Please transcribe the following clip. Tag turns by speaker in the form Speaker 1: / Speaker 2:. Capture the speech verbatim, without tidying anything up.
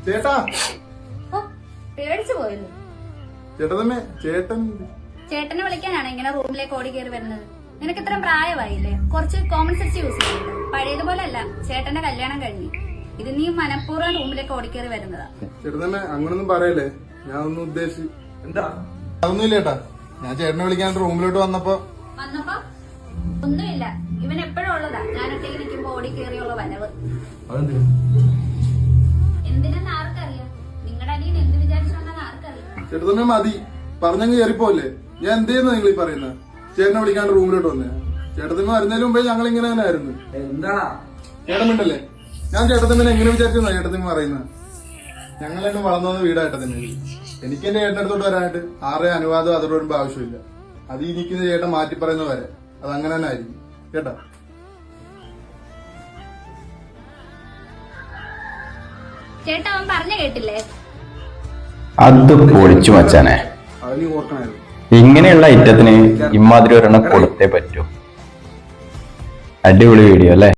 Speaker 1: ചേട്ടാ
Speaker 2: പേടിച്ചു പോയല്ലോ.
Speaker 1: ചേട്ടതമ്മേ ചേട്ടൻ
Speaker 2: ചേട്ടനെ വിളിക്കാനാണ് ഇങ്ങനെ റൂമിലേക്ക് ഓടി കയറി വരുന്നത്. നിനക്ക് ഇത്ര പ്രായമായില്ലേ, കുറച്ച് കോമൺ സെൻസ് യൂസ് ചെയ്യുന്നു. പഴയതുപോലെ അല്ല, ചേട്ടന്റെ കല്യാണം കഴിഞ്ഞു. ഇത് നീ മനഃപൂർവ്വം റൂമിലേക്ക് ഓടിക്കേറി വരുന്നതാ.
Speaker 1: ചേട്ടതമ്മേ അങ്ങനൊന്നും പറയല്ലേ, ഞാൻ ഒന്നും ഉദ്ദേശിച്ചു. എന്താ അതൊന്നുമില്ല ചേട്ടാ, ഞാൻ ചേട്ടനെ വിളിക്കാൻ റൂമിലോട്ട് വന്നപ്പോ
Speaker 2: വന്നപ്പോ ഒന്നുമില്ല. ഇവൻ എപ്പോഴും ഉള്ളതാ, ഞാനൊറ്റയ്ക്ക് നിൽക്കുമ്പോ ഓടി കയറിയുള്ള വനവ്. എന്തിനെന്ന് ആർക്കറിയാം, നിങ്ങളുടെ അടിയിൽ എന്ത് വിചാരിച്ചോണ്ടെന്ന് ആർക്കറിയാം.
Speaker 1: ചേട്ടതമ്മേ മതി, പറഞ്ഞങ്ങ് കയറിപ്പോലെ. ഞാൻ എന്ത് ചെയ്യുന്ന നിങ്ങൾ ഈ പറയുന്നത്? ചേട്ടനെ വിളിക്കാണ്ട് റൂമിലോട്ട് വന്നേ. ചേട്ടത്തമ്മ വരുന്നതിന് മുമ്പേ ഞങ്ങൾ ഇങ്ങനെ തന്നെ ആയിരുന്നു.
Speaker 3: എന്താ
Speaker 1: ചേട്ടനുണ്ടല്ലേ, ഞാൻ ചേട്ടത്തമ്മനെ എങ്ങനെ വിചാരിച്ചെന്നാ ചേട്ടത്തമ്മ പറയുന്നത്? ഞങ്ങളെന്നെ വളർന്നു വന്ന വീടായിട്ടത്തന്നെ. എനിക്ക് എന്റെ ചേട്ടൻ്റെ അടുത്തോട്ട് വരാനായിട്ട് ആരുടെ അനുവാദം അതോട് വരുമ്പോ ആവശ്യമില്ല. അത് ഈ നിൽക്കുന്ന ചേട്ടൻ മാറ്റി പറയുന്ന വരെ അത് അങ്ങനെ തന്നെ ആയിരിക്കും കേട്ടാ.
Speaker 2: ചേട്ടാ അവൻ പറഞ്ഞു കേട്ടില്ലേ?
Speaker 4: അത് പൊളിച്ചു മച്ചാനെ.
Speaker 1: അത് നീ ഓർക്കണായിരുന്നു.
Speaker 4: ഇങ്ങനെയുള്ള ഐറ്റത്തിന് ഇമാതിരി ഒരെണ്ണം കൊടുത്തേ പറ്റൂ. അടിപൊളി വീഡിയോ അല്ലേ?